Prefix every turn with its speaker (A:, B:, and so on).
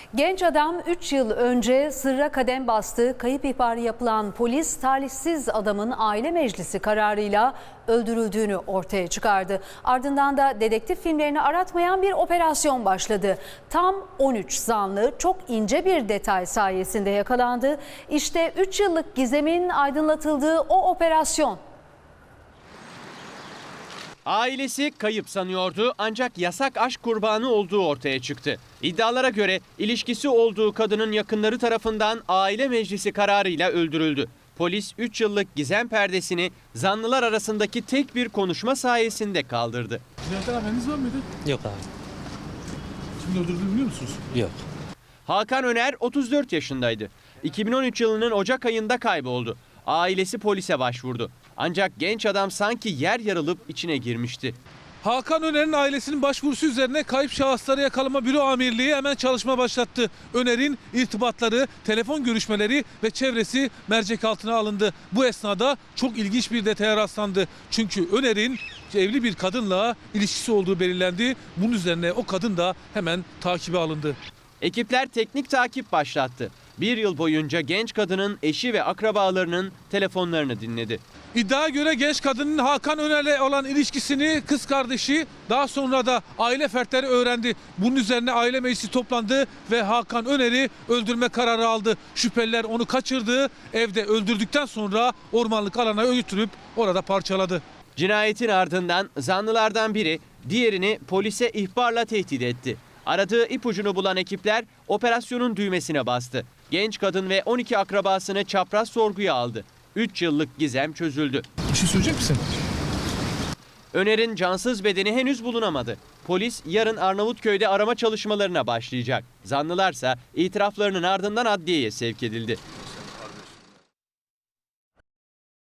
A: Genç adam 3 yıl önce sırra kadem bastı. Kayıp ihbarı yapılan polis talihsiz adamın aile meclisi kararıyla öldürüldüğünü ortaya çıkardı. Ardından da dedektif filmlerini aratmayan bir operasyon başladı. Tam 13 zanlı çok ince bir detay sayesinde yakalandı. İşte 3 yıllık gizemin aydınlatıldığı o operasyon.
B: Ailesi kayıp sanıyordu ancak yasak aşk kurbanı olduğu ortaya çıktı. İddialara göre ilişkisi olduğu kadının yakınları tarafından aile meclisi kararıyla öldürüldü. Polis 3 yıllık gizem perdesini zanlılar arasındaki tek bir konuşma sayesinde kaldırdı.
C: Cinayetten haberiniz var mıydı?
D: Yok abi.
C: Kimin öldürdüğünü biliyor musunuz?
D: Yok.
B: Hakan Öner 34 yaşındaydı. 2013 yılının Ocak ayında kayboldu. Ailesi polise başvurdu. Ancak genç adam sanki yer yarılıp içine girmişti.
C: Hakan Öner'in ailesinin başvurusu üzerine Kayıp Şahısları Yakalama Büro Amirliği hemen çalışma başlattı. Öner'in irtibatları, telefon görüşmeleri ve çevresi mercek altına alındı. Bu esnada çok ilginç bir detaya rastlandı. Çünkü Öner'in evli bir kadınla ilişkisi olduğu belirlendi. Bunun üzerine o kadın da hemen takibe alındı.
B: Ekipler teknik takip başlattı. Bir yıl boyunca genç kadının eşi ve akrabalarının telefonlarını dinledi.
C: İddiaya göre genç kadının Hakan Öner'le olan ilişkisini kız kardeşi daha sonra da aile fertleri öğrendi. Bunun üzerine aile meclisi toplandı ve Hakan Öner'i öldürme kararı aldı. Şüpheliler onu kaçırdı, evde öldürdükten sonra ormanlık alana götürüp orada parçaladı.
B: Cinayetin ardından zanlılardan biri diğerini polise ihbarla tehdit etti. Aradığı ipucunu bulan ekipler operasyonun düğmesine bastı. Genç kadın ve 12 akrabasını çapraz sorguya aldı. 3 yıllık gizem çözüldü.
C: Bir şey söyleyecek misin?
B: Öner'in cansız bedeni henüz bulunamadı. Polis yarın Arnavutköy'de arama çalışmalarına başlayacak. Zanlılarsa itiraflarının ardından adliyeye sevk edildi.